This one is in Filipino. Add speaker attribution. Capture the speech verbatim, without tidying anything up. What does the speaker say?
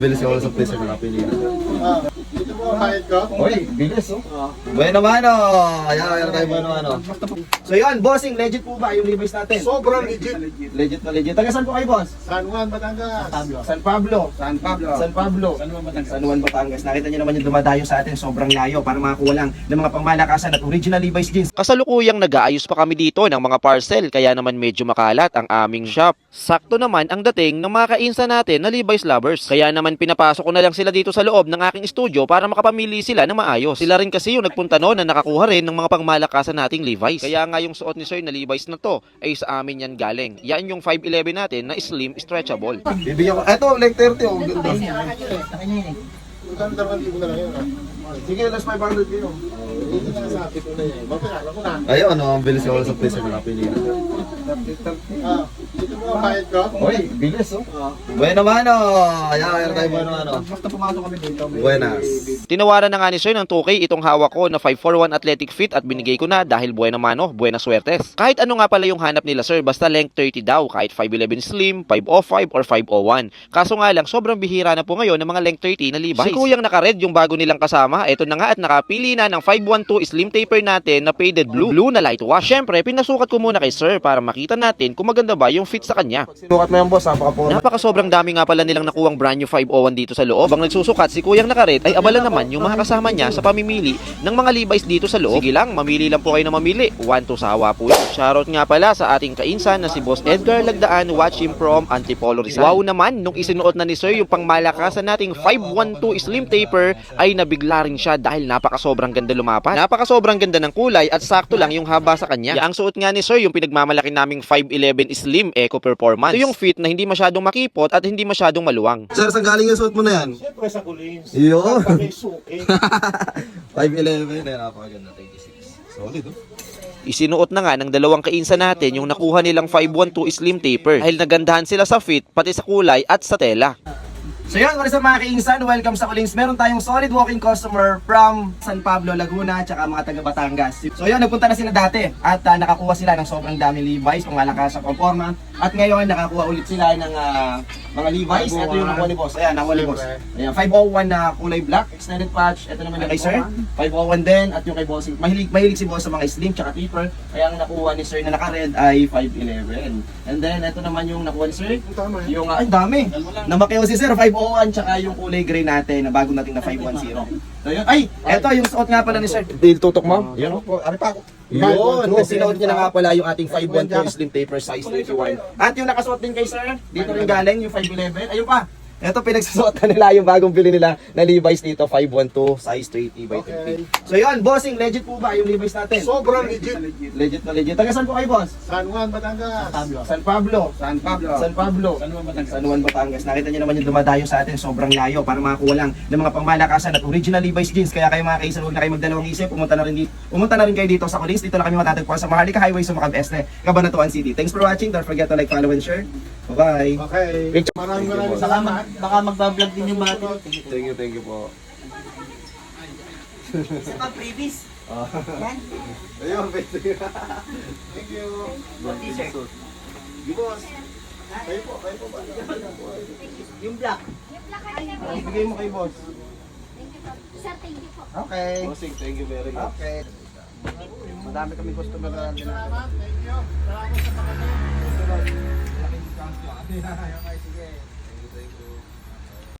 Speaker 1: Bilis ako sa place na napili na.
Speaker 2: Ah, dito po ang kahit ko.
Speaker 1: Oy, bilis oh. Bueno mano. Ayan, ayan tayo bueno ano. So yun, bossing, legit po ba yung Levi's natin?
Speaker 2: Sobrang legit.
Speaker 1: Legit na legit. Taga saan po kayo, boss?
Speaker 2: San Juan, Batangas.
Speaker 1: San Pablo. San Pablo. San Pablo. San Juan, Batangas. San Juan, Batangas. Nakita niyo naman yung dumadayo sa atin, sobrang layo para makakuha lang ng mga pangmalakasan at original Levi's jeans.
Speaker 3: Kasalukuyang nag-aayos pa kami dito ng mga parcel kaya naman medyo makalat ang aming shop. Sakto naman ang dating ng mga kainsa natin na Levi's lovers. Kaya naman pinapasok ko na lang sila dito sa loob ng aking studio para makapamili sila ng maayos. Sila rin kasi yung nagpunta noon na nakakuha rin ng mga pangmalakasan nating Levi's. Kaya nga yung suot ni Sir na Levi's na to ay sa amin yan galing. Yan yung five eleven natin na slim stretchable.
Speaker 1: Bibigyan ko. Eto, like thirty oh. Ganda.
Speaker 2: Magandang libo na lang yun. ah.
Speaker 1: Sige, last five hundred yun.
Speaker 2: Dito na sa akin ko na yan. Magkakala ko na.
Speaker 1: Ayun, ano, ang bilis ako sa place na napili na.
Speaker 2: Ah, dito po ang kahit ko.
Speaker 1: Oy, bilis oh. Bueno mano. Ayan, ayan tayo bueno ano.
Speaker 2: Basta pumasok kami dito.
Speaker 1: Buenas.
Speaker 3: Tinawaran na nga ni Sir ng two K itong hawak ko na five forty-one athletic fit at binigay ko na dahil buena mano, buena suertes. Kahit ano nga pala yung hanap nila Sir, basta length thirty daw, kahit five eleven slim, five oh five or five oh one. Kaso nga lang, sobrang bihira na po ngayon ng mga length thirty na Levi's. Si Kuyang naka-red yung bago nilang kasama, eto na nga at nakapili na ng five twelve slim taper natin na faded blue, blue na light wash. Syempre, pinasukat ko muna kay Sir para makita natin kung maganda ba yung fit sa kanya.
Speaker 1: Sinukat mo yan, boss, napaka-forma.
Speaker 3: Napaka sobrang dami nga pala nilang nakuwang brand new five oh one dito sa loob. Bang nagsusukat si Kuyang naka-red ay abala naman yung mga kasama niya sa pamimili ng mga Levi's dito sa loob. Sige lang, mamili lang po kayo na mamili. One to sawa po yun. Shoutout nga pala sa ating kainsan na si Boss Edgar Lagdaan. Watch him from Antipolo Rizal. Wow naman, nung isinuot na ni Sir yung pangmalakasan nating five twelve slim taper ay nabigla rin siya dahil napaka sobrang ganda lumapat. Napaka sobrang ganda ng kulay at sakto lang yung haba sa kanya. Ang suot nga ni Sir yung pinagmamalaki naming five eleven slim Eco Performance. Ito yung fit na hindi masyadong makipot at hindi masyadong maluwang.
Speaker 1: Sir, saan galing yung suot mo na yan?
Speaker 2: Siyempre sa Kulins.
Speaker 1: Yun.
Speaker 2: Kami suki.
Speaker 1: five eleven, eh, napakaganda, twenty-six. Solid, oh.
Speaker 3: Isinuot na nga ng dalawang kainsa natin yung nakuha nilang five twelve slim taper dahil nagandahan sila sa fit, pati sa kulay at sa tela.
Speaker 1: So yun, what is up mga kainsan? Welcome sa Kulings. Meron tayong solid walking customer from San Pablo, Laguna, tsaka mga taga Batangas. So yun, nagpunta na sila dati at uh, nakakuha sila ng sobrang daming Levi's, pangalakas sa conforma. At ngayon, nakakuha ulit sila ng uh, mga Levi's. Ito yung nakuha ni boss. Ayan, nakuha ni boss. Ayan, five oh one na kulay black, extended patch. Ito naman yung kay sir, five oh one din. At yung kay bossing, mahilig, mahilig si boss sa mga slim tsaka taper. Kaya ang nakuha ni sir na naka-red ay five eleven. And then, ito naman yung nakuha ni sir.
Speaker 2: Tama eh.
Speaker 1: Yung, uh, ay dami. Namakeo si sir, five oh one, tsaka yung kulay gray natin, na bago nating na five ten. So yun, ay, eto yung suot nga pala ni sir. Dil tutok mo?
Speaker 2: Yan po. Ano pa ako?
Speaker 1: Yun, sinuot niya na nga pala yung ating five twelve slim taper size thirty-one. At yung nakasuot din kay sir, dito rin galing yung five eleven. Ayun pa. Ito pinagsusuot na nila yung bagong bili nila na Levi's dito, five twelve size thirty by thirty. So yun, bossing, legit po ba yung Levi's natin?
Speaker 2: Sobrang legit.
Speaker 1: Legit na legit. Taga saan po kayo, boss?
Speaker 2: San Juan, Batangas.
Speaker 1: San Pablo. San Pablo. San Pablo. San Juan, Batangas. Nakita niyo naman yung dumadayo sa atin, sobrang layo para makakuha lang ng mga pangmalakasan at original Levi's jeans. Kaya kayo mga kaisan, huwag na kayo magdalawang isip. Pumunta na rin dito. Pumunta na rin kayo dito sa Kulins. Dito na kami matatagpuan sa Maharlika Highway sa Macab Este, Cabanatuan City. Thanks for watching. Don't forget to like, follow, and share. Bye-bye.
Speaker 2: Okay. Maraming maraming salamat.
Speaker 4: Baka magbablog din yung mga to.
Speaker 1: Thank you, thank you po.
Speaker 4: Sa mga previous. Yan.
Speaker 1: Ayun, pwede.
Speaker 2: Thank you.
Speaker 4: T-shirt.
Speaker 1: Yung boss. Kayo po, kayo po ba?
Speaker 4: Yung black.
Speaker 1: Ibigay mo kay boss.
Speaker 5: Sir, thank you po.
Speaker 1: Okay. Bossing, thank you very much. Okay. Madami kami customer na natin.
Speaker 2: Salamat. Thank you. Salamat sa pagkakas.
Speaker 1: Laking discount ko. Okay, sige.